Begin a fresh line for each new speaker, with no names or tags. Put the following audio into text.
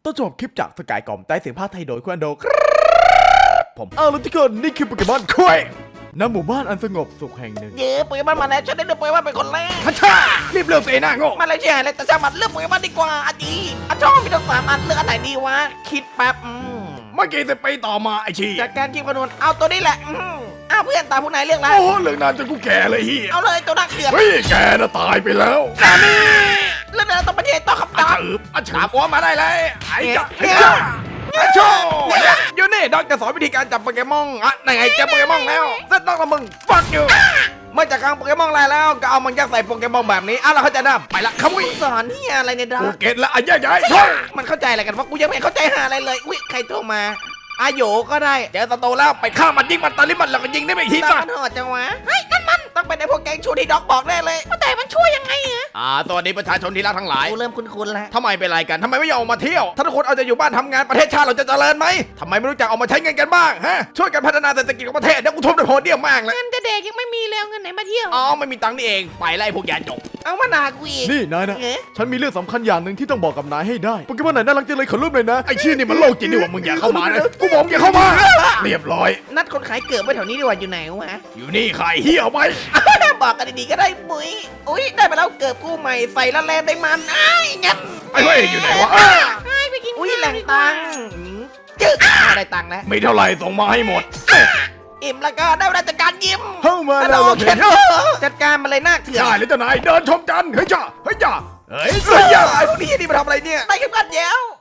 ต้นฉบับคลิปจากสกายกล่อมใต้เสียงภาคไทยโดยคุณอันโดผมแล้วทุกคนนี่คือโปเกมอนคุยณหมู่บ้านอันสงบสุขแห่งหนึ่ง
เย้โปเกมอนมาแล้วฉันได้เลือกโปเกมอนเป็นคนแรก
ฮัชชารีบเลือกเสนาโง่
มาเลยใช่เลยแต่ช่างมันเลือกโปเกมอนดีกว่าอันนี้ชอบมีทั้งสามอันเลือกอันไหนดีวะคิดแป๊บ
เมื่อกี้จะไปต่อมาไอชี
จากการคิดคำนวณเอาตัวนี้แหละอ้าวเพื่อนตามผู้นายเลือกแล้ว
โอ้เรื่องนานจนกูแก่เลยเฮีย
เอาเลยตัวนักเขือน
เฮ้ยแกน่ะตายไปแล้ว
เรื่องนั้นต้องประเทศต้องขับ
อา
ตาม
ถืออาฉาบอ้วมาได้เลยไอ้จ้าไอ้จ้าไอ้โชอยู่นี่ดอกจะสอนวิธีการจับโปเกมอนอ่ะไหนไงจับโปเกมอนแล้วเซตดอกละมึงฟักอยู่เมื่อจากกลางโปเกมอนลายแล้วก็เอามันยัดใส่โปเกมอนแบบนี้อ่ะเราเข้าใจนะไปละขมุย
สอนเฮียอะไรเนี่ยดอ
กู
ก
เก็ตละอ่ะใหญ่
มันเข้าใจอะไรกันวะกูยังไม่เข้าใจหาอะไรเลยอุ้ยใครโทรมาอาโยก็ได้
เจอสโตแล้วไปฆ่ามันยิงมันตอนนี้มันแล้วก็ยิงได้ไม่ที
ตา
ป่ะ
มันหอดจังวะเฮ้ยนั่นมันต้องเป็นไอ้พวกแกงชูที่ด็อกบอกแน่เลยแต่มันช่วยยังไงอะ
สวัสดีประชาชนที่รักทั้งหลาย
กูเริ่มคุ้นๆแล้ว
ทำไมเป็นไรกันทำไมไม่ยอมออกมาเที่ยวถ้าทุกคนเอาจะอยู่บ้านทำงานประเทศชาติเราจะเจริญไหมทำไมไม่รู้จักออกมาใช้เงินกันบ้างฮะช่วยกันพัฒนาเศรษฐกิจของประเทศเดี๋ยวกูทุ่มด้วยโพเดียมมากเลย
เงินจะเด็กยังไม่มีเลยเอาเงินไหนมาเที่ยว
อ๋อไม่มีตังค์นี่เองไปไล่พวกยาจก
เอามาด่ากูอีก
นี่นายนะ
เอ๊ะ
ฉันมีเรื่องสำคัญอย่างหนึ่งที่ต้องบอกกับนายให้ได้โปเกมอนไหนน่ารักจังเลยขอรูปเลยนะ
ไอ้ชี้นี่มันโลกจิตดีกว่ามึงอย่าเข้ามานะกูบอกอย่าเข้ามาเรียบร้อย
นัดคนขายเกือบไว้แถวนี้ดีกว่าอยู่ไหนวะ
อยู่นี่ใครเฮียเอาไป
บอกกันดีๆก็ได้มุ้ยอุ้ยได้ไปแล้วเกือบกู้ใหม่ใส่ละแลมได้มันอ้ายงั้น
ไอ้เว้ยอยู่ไหนวะ
ไปกินอุ้ยแหล่งตังค์จึ๊กได้ตังค์แล้ว
มีเท่าไหร่ส่งมาให้หมด
อิ่มแล้วก็ได้เวลาจัดการยิ้ม
เข้ามา
แล้
แล้ว ว
เข็นจัดการมาเลยหน้าเถื่อน
ได้เลยเจ้านายเดินชมกันเฮ้ยจ้าเฮ้ยจ้าเฮ้ย
เฮ้
เฮ้
ย
ยจ้า
ไอ้พวกนี้นี่มาทำอะไรเนี่ยได้เข็มขัดแย้ว